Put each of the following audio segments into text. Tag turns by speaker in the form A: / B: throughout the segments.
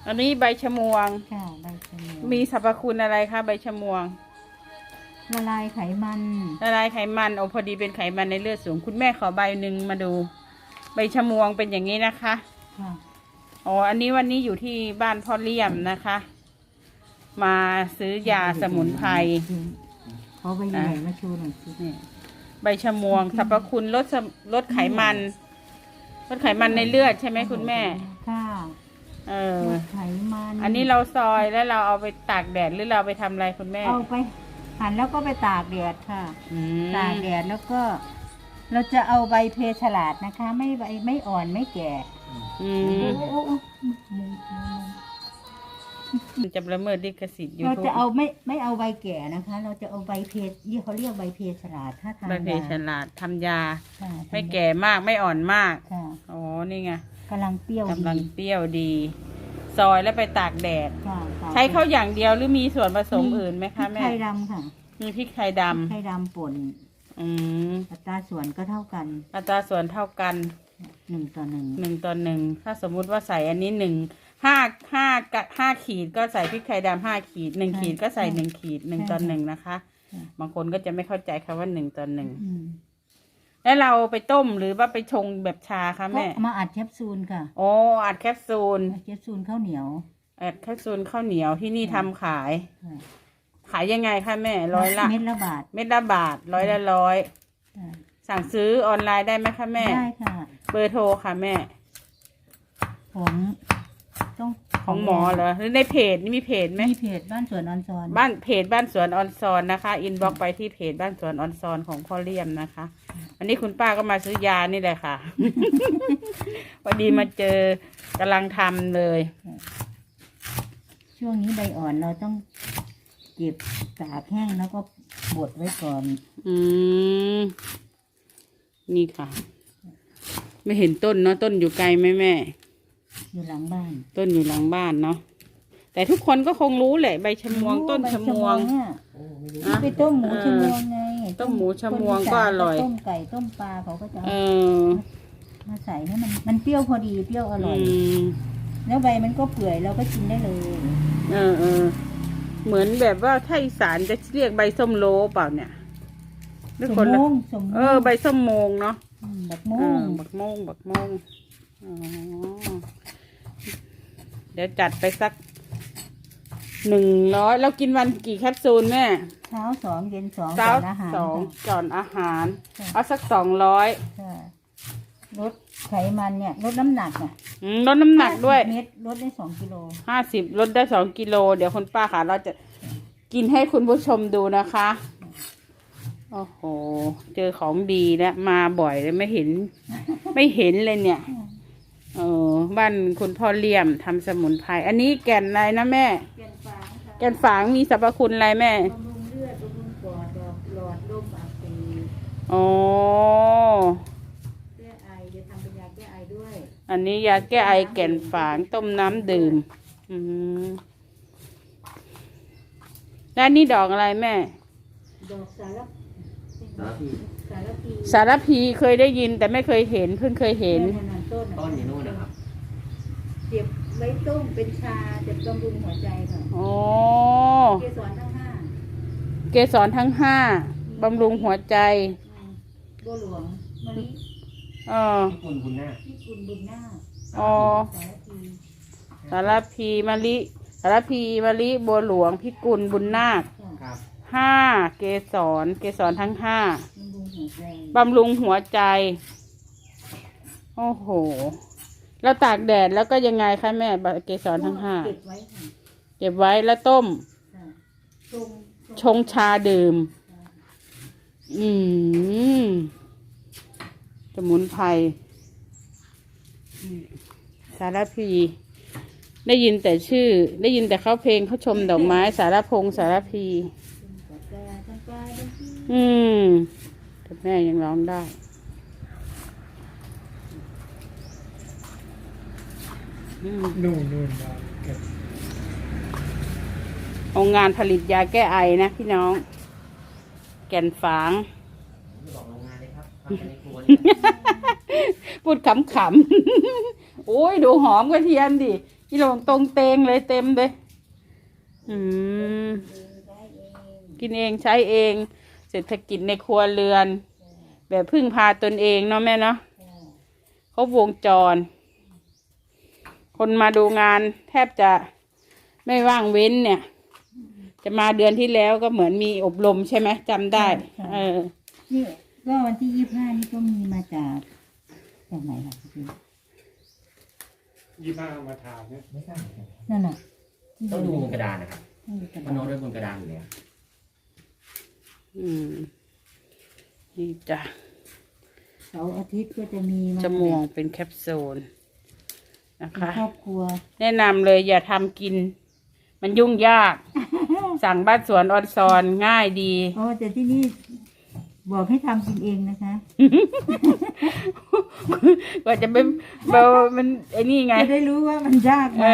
A: อันนี้ใบชะมวง
B: ค่ะใบชะมวง
A: มีสรรพคุณอะไรคะใบชะมวง
B: ละลายไขมัน
A: ละลายไขมันโอ้พอดีเป็นไขมันในเลือดสูงคุณแม่ขอใบหนึ่งมาดูใบชะมวงเป็นอย่างนี้นะคะ
B: ค่ะ
A: อ๋ออันนี้วันนี้อยู่ที่บ้านพ่อเลี่ยมนะคะ มาซื้อยาสมุนไพร
B: เขาใบใหญ่มาโชว์หน่อยสิ
A: ใบชะมวงสรรพคุณลดไขมันลดไขมันในเลือดใช่ไหมคุณแม่
B: ค่ะลดไขมัน
A: อันนี้เราซอยแล้วเราเอาไปตากแดดหรือเราไปทำอะไรคุณแม่
B: เอาไปหั่นแล้วก็ไปตากแดดค่ะตากแดดแล้วก็ เราจะเอาใบเพฉลาดนะคะ ไม่ใบไม่อ่อนไม่แก่
A: มันจะละเมิดลิขสิทธิ์
B: เราจะเอาไม่เอาใบแก่นะคะ เราจะเอาใบเพที่เขาเรียกใบเพฉลาดถ้าทำ
A: ใบเพฉลาดทำยาไม่แก่มากไม่อ่อนมากอ๋อนี่ไง
B: กำลังเปรี้ยว
A: ดีซอยแล้วไปตากแดดใช้เข้าอย่างเดียวหรือมีส่วนผสมอื่นไหมคะแม่
B: พริกไทยดำค่ะ
A: มีพริกไทยดำ
B: ป่นอัตราส่วนก็เท่ากัน
A: อัตราส่วนเท่ากัน
B: 1:1
A: ถ้าสมมุติว่าใส่อันนี้5 ขีดก็ใส่พริกไทยดำ5 ขีด1 ขีดก็ใส่1 ขีด1:1นะคะบางคนก็จะไม่เข้าใจคำว่า1:1แล้วเราไปต้มหรือว่าไปชงแบบชาคะแม่
B: มาอัดแคปซูลค่ะ
A: โอ้อัดแคปซูล
B: ข้าวเหนียว
A: อัดแคปซูลข้าวเหนียวที่นี่ทำขายยังไงคะแม่100 ละ
B: เม็ดละบาท
A: 100 ละ 100สั่งซื้อออนไลน์ได้ไหมคะแม่
B: ได้ค่ะ
A: เบอร์โทรค่ะแม่ของหมอเหรอหรือในเพจนี่มีเพจไหม
B: มีเพจบ้านสวนออนซอน
A: บ้านสวนออนซอนนะคะอินบ็อกไปที่เพจบ้านสวนออนซอนของพ่อเลี่ยมนะคะวันนี้คุณป้าก็มาซื้อยานี่แหละค่ะ พอดีมาเจอกำลังทำเลย
B: ช่วงนี้ใบอ่อนเราต้องเก็บตากแห้งแล้วก็บดไว้ก่อน
A: นี่ค่ะไม่เห็นต้นเนาะต้นอยู่ไกลไหมแม่
B: อยู่หลังบ้าน
A: ต้นอยู่หลังบ้านเนาะแต่ทุกคนก็คงรู้แหละใบชะมวงต้นชะมวง
B: ไปต้มหมูชะมวงไง
A: ต้มหมูชะมวงก็อร่อย
B: ต้มไก่ต้มปลาเขาก็จะมาใส่ให้มันเปรี้ยวพอดีเปรี้ยวอร่อยแล้วใบมันก็เปื่อยเราก็กินได้เลย
A: เหมือนแบบว่าถ้าอีสานจะเรียกใบส้มโลเปล่าเนี่ย
B: สมง
A: ใบส้มโมงเนาะ
B: บักโมง
A: เดี๋ยวจัดไปสัก100แล้วกินวันกี่แคปซูลแม่
B: เช้า2เย็น2
A: ก่อนอาหารเอาสัก200
B: ลดไขมันเนี่ยลดน้ำหนัก
A: ลดน้ำหนักด้วย
B: เม็ดลดได้2 กิโล
A: 50ลดได้2 กิโลเดี๋ยวคุณป้าค่ะเราจะกินให้คุณผู้ชมดูนะคะโอ้โหเจอของดีแล้วมาบ่อยเลยไม่เห็นเลยเนี่ยบ้านคุณพ่อเลี่ยมทำสมุนไพรอันนี้แก่นอะไรนะแม่แก่นฝางมีสรรพคุณอะไรแม่
B: บำรุงเลือดบำรุงปอดหลอดลมอักเสบแก้ไอจะทำเป็นยาแก้ไอด้วย
A: อันนี้ยาแก้ไอแก่นฝางต้มน้ำดื่มแล้วนี่ดอกอะไรแม่
B: ดอก
A: สารพีเคยได้ยินแต่ไม่เคยเห็นเพิ่งเคยเห็น
C: ต้นอยู่นู่นนะครับ
B: เก็บไว้ต้มเป็นชาจะบำรุงหัวใจค่ะเกสรทั้ง
A: 5บำรุงหัวใจ
B: บัวหลวงมะลิ
C: พี่กุลบุญนา
A: สารพีมะลิบัวหลวงพิกุลบุญนาค5เกสรทั้ง5บำรุงหัวใจโอ้โหแล้วตากแดดแล้วก็ยังไงคะแม่เกสรทั้ง5เก็บไว้แล้วต้มชงชาดื่มสมุนไพรสารพีได้ยินแต่ชื่อได้ยินแต่เขาเพลงเขาชมดอกไม้สารพงสารพีแต่แม่ยังร้องได้
C: นู่น
A: โรงงานผลิตยาแก้ไอนะพี่น้องแก่นฝางพูดขำๆโอ้ยดูหอมกระเทียมดิอีหลงตรงเตงเลยเต็มเลยกินเองใช้เองเศรษฐกิจในครัวเรือน แบบพึ่งพาตนเองเนาะแม่เนาะเขาวงจร คนมาดูงานแทบจะไม่ว่างเว้นเนี่ย จะมาเดือนที่แล้วก็เหมือนมีอบรมใช่ไหมจำได้
B: นี่ก็วันที่25นี่ก็มีมาจากไหนล่ะพี่
C: 25มาถามเนี่ยไม่ทราบ
B: นั่นน่ะ
C: ต้องดูบนกระดานนะครับมันโน้ตด้วยบนกระดานอยู่แล้ว
A: นี่จ้ะ
B: เสาร์อาทิตย์ก็จะมี
A: จมูกเป็นแคปซูลนะคะ
B: ครอบครัว
A: แนะนำเลยอย่าทำกิน มันยุ่งยาก สั่งบ้านสวนออนซอนง่ายดี
B: แต่ที่นี่บอกให้ทำกินเองนะคะ
A: กว่าจะเป็นมันไอ้นี่ไง
B: จะได้รู้ว่ามันยากไหม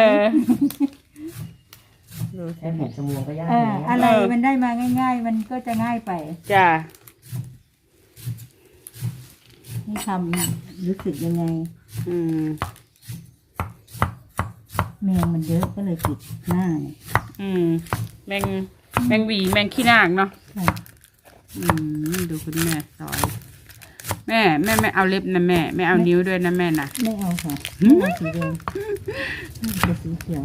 C: แค่บุกจมูกก็ยาก
B: อะไรมันได้มาง่ายๆมันก็จะง่ายไป
A: จ้า
B: ให้ทำรู้สึกยังไงแมงมันเยอะก็เลยปิดหน้า
A: แมงหวีแมงขี้นางเนาะดูคุณแม่ซอยแม่ไม่เอาเล็บนะแม่ไม่เอานิ้วด้วยนะแม่นะ
B: ไม่เอาค่ะไม่เอาสีแดงจะสีเขียว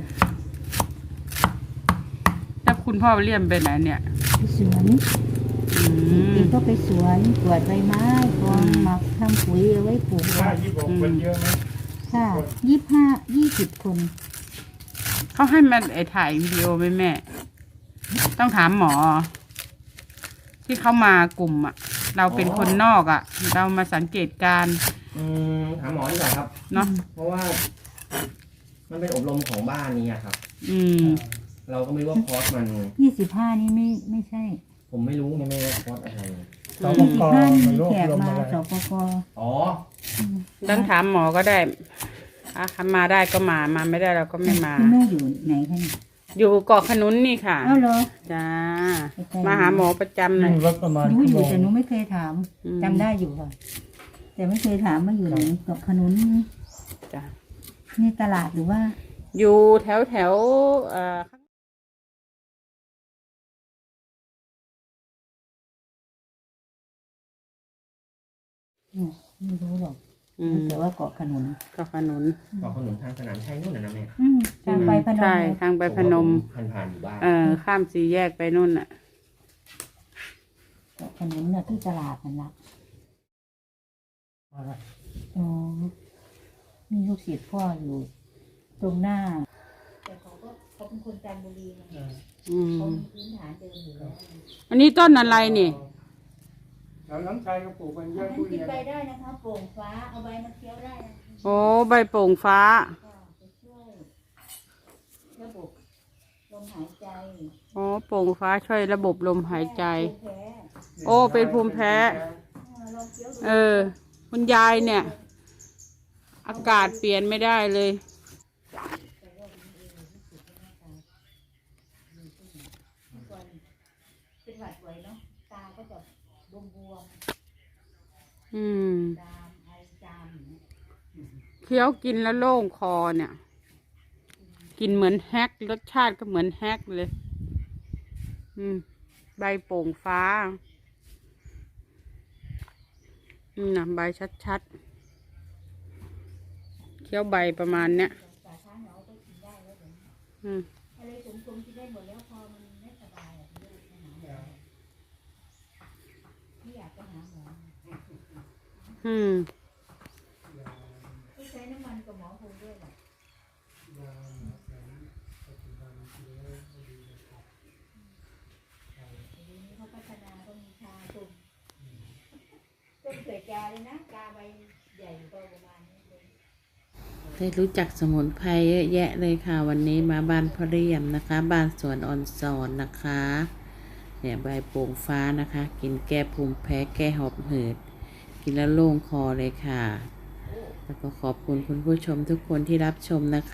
A: แล้วคุณพ่อเลี่ยมไปไหนเนี่ย
B: ไปสวนอีกก็ไปสวนกวาดใบไม้กองหมักทำปุ๋ยเอาไว้ปลูก
C: คนเยอะไหม
B: ค่ะ20 คน
A: เขาให้มันถ่ายวิดีโอไหมแม่ต้องถามหมอที่เขามากลุ่มอ่ะเราเป็นคนนอกอ่ะเรามาสังเกตการ
C: ถามหมอดีกว่าครับ
A: เนาะ
C: เพราะว่ามันเป็นอบรมของบ้านนี้ครับเราก็ไม่รู้ว่าคอร์สมัน
B: 25นี่ไม่ใช่
C: ผมไม่รู้ไม่ว่าคอร์สอะไร
B: สปกมีแขกมาสปก
A: ต้องถามหมอก็ได้มาได้ก็มาไม่ได้เราก็ไม่มา
B: คุณแม่อยู่ไหนคะ
A: อยู่เกาะขนุนนี่ค่ะ
B: เหรอ
A: จ้ามาหาหมอประจำเลย
B: รู้อยู่แต่หนูไม่เคยถามจำได้อยู่ค่ะแต่ไม่เคยถามว่าอยู่ไหนเกาะขนุน
A: จ้า
B: นี่ตลาดหรือว่า
A: อยู่แถว
B: ไม่รู้หรอกแต่ว่าเกาะขนุน
A: ทางส
C: นามชัยนู่นนะแม่
B: ทางไปพนม
A: ใช่ทางไปพนม
C: ผ่านอยู่บ้าน
A: ข้ามสี่แยกไปนู่นน่ะ
B: เกาะขนุนน่ะที่ตลาดนั่นละมีลูกศิษย์พ่ออยู่ตรงหน้าแต่เขาเป็นคนจันทบุรีนะเขามีพื้นฐานเดิมอยู่แล้ว
A: อันนี้ต้นอะไรนี่
C: แล้วน้ำชายก็ปลูกมันเยอะ
B: ทุเรียนกินใบได้นะคะโป่งฟ้าเอาใบมาเคี้ยวได้นะ
A: โอ้ใบโป่งฟ้า
B: ช่วยระบบลมหายใจ
A: โอ้โป่งฟ้าช่วยระบบลมหายใจโอ้เป็นภูมิแพ้คุณยายเนี่ยอากาศเปลี่ยนไม่ได้เลย
B: เป็นหวัดบ่อยเนาะตาก็จะบวม
A: เคี้ยวกินแล้วโล่งคอเนี่ยกินเหมือนแฮกรสชาติก็เหมือนแฮกเลยใบโป่งฟ้านะใบชัดๆเคี้ยวใบประมาณเนี้ย
B: อะไรผมกินได้หมดแล้วพอมันไม่สบายไม่อยากไปหาหมอใช้น้ำมันกับหมอคงด้วยแหละเขาพัฒนาเขามีชาตุ่มต้นเกิดกาเลยนะกาใบใหญ่โตประมาณนี้เลย
A: ได้รู้จักสมุนไพรเยอะแยะเลยค่ะวันนี้มาบ้านพ่อเรียมนะคะบ้านสวนออนซอนนะคะเนี่ยใบโป่งฟ้านะคะกินแก้ภูมิแพ้แก้หอบหืดกินแล้วโล่งคอเลยค่ะแล้วก็ขอบคุณคุณผู้ชมทุกคนที่รับชมนะคะ